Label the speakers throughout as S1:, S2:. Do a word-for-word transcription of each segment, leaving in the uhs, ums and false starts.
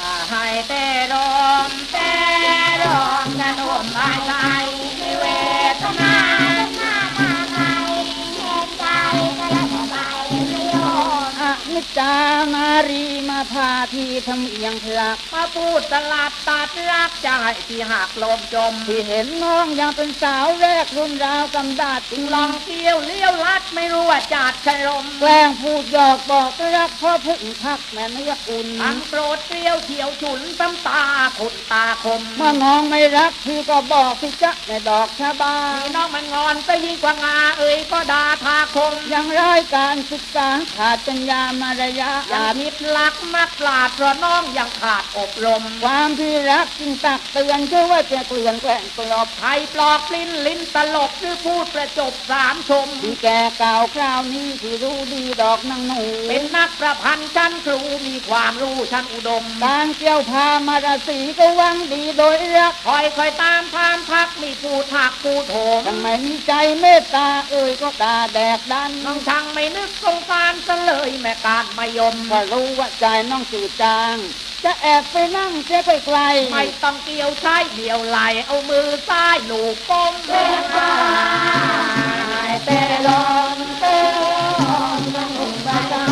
S1: ให้แต่ลมแต่ลมกระโดมภายใจเวทนา
S2: นิจานารีมาพาที่ทำเอียงเถือก
S1: มาพูดตลาดตัดรักใจที่หักลมจม
S2: ที่เห็นน้องยังเป็นสาวแรกรุ่นราวกำดาดจึง
S1: ลองเที่ยวเลี้ยวลัดไม่รู้ว่าจัดชะลม
S2: แกล้งพูดหยอกบอกรักพ่อพึ่งพักแม่เนื้ออุ่น
S1: ทั้งโกรธเกลียวเขียวฉุนซ้ำตาขุดตาคม
S2: เมื่อน้องไม่รักพี่ก็บอกพี่จะในดอกชะบา
S1: พี่น้องมันงอนไปยิ่งกว่างาเอ่ยก็ด่าทาคม
S2: ยังร้ายการศึกษาขาดปัญญามารยา
S1: อย่ามิดลักมักปลาดเพราะน้องยังขาดอบรม
S2: ความที่รักจึงตักเตือนเชื่อว่าจะเกลื่อนแกล้งปลอบ
S1: ใครปลอกลิ้นลิ้นตลบหรือพูดประจบสามชม
S2: ที่แก่เก่าคราวนี้ที่รู้ดีดอกนางหนู
S1: เป็นนักประพันธ์ชั้นครูมีความรู้ชั้นอุดม
S2: การเกี่ยวพามาราศีก็วังดีโดยรัก
S1: คอยคอยตามพามพักมีผู้ถักผู้โถม
S2: ทำไมมีใจเมตตาเอ่ยก็ตาแดกดัน
S1: น้องช่างไม่นึกสงสารซะเลยแม่การมายม
S2: ก็รู้ว่าใจน้องจืดจางจะแอบไปนั่งเสียไปไกล
S1: ไม่ต้องเกี่ยวใช้เดี่ยวไหลเอามือซ้ายหลูกก้ม
S2: แต่ลมแต่ลมต้องหุ่นบาใจ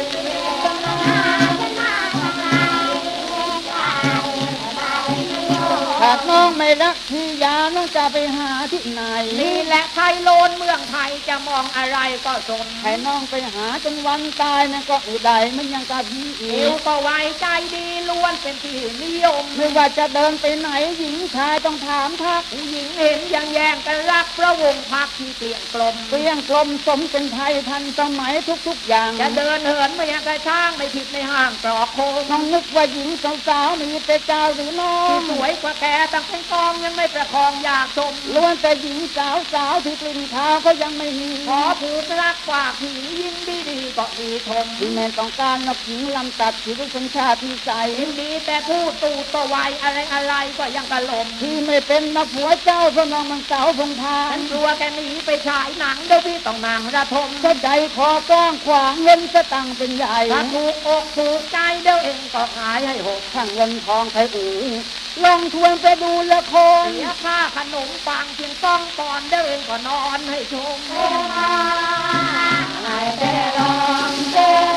S2: หากน้องไม่รักพี่ยาน้องจะไปหาที่ไหน
S1: นี่แหละไทยโลนเมืองไทยจะมองอะไรก็สน
S2: ให้น้องไปหาจนวันตายนั่นก็อุดัยมันยังกะพี่อี
S1: กก็ไว้ใจดีล้วนเป็นที่นิยม
S2: ไม่ว่าจะเดินไปไหนหญิงชายต้องถามทัก
S1: ผู้หญิงเห็นยังแย่งกันรักพระวงศ์พักที่เกลี่ยงกลม
S2: เกลี่ยงกลมสมเป็นไทยทันสมัยทุกๆอย่าง
S1: จะเดินเหินไม่ยังกระช่างไม่ผิดในห้างตรอกโคง
S2: น้องนึกว่าหญิงสาวๆมีแต่เจ้าหรือน้อง
S1: ที่สวยกว่าแกตั้งเป็นกองยังไม่ประคองอยากชม
S2: ล้วนแต่หญิงสาวสาวที่กลิ่นเท้าก็ยังไม่มี
S1: ขอผูกรักฝากผียินดีดีก็ดีชม
S2: ที่แม่ต้องการนักหญิงลำตัดที่ด้วยสัญชาติที่ใส
S1: ยินดีแต่พูดตูดตัวไวอะไรอะไรก็ยังกระลม
S2: ที่ไม่เป็นนักผัวเจ้าเพราะน้องมันสาวพงพา
S1: ฉันกลัวแกหนีไปฉายหนังเดี๋ยวพี่ต้องนางระทม
S2: ก็ใจคอกว้างขวางเงินสตังเป็นใหญ่
S1: ถ้าถูกอกถูกใจเดี๋ยวเองก็ขายให้หก
S2: ทั้งเงินทองไทยอูลองทวนไปดูละคร
S1: เสียค่าขนมปังเพียงต้องปอนเดี๋ยวเองก็นอนให้ชม
S2: แต่ลมแต่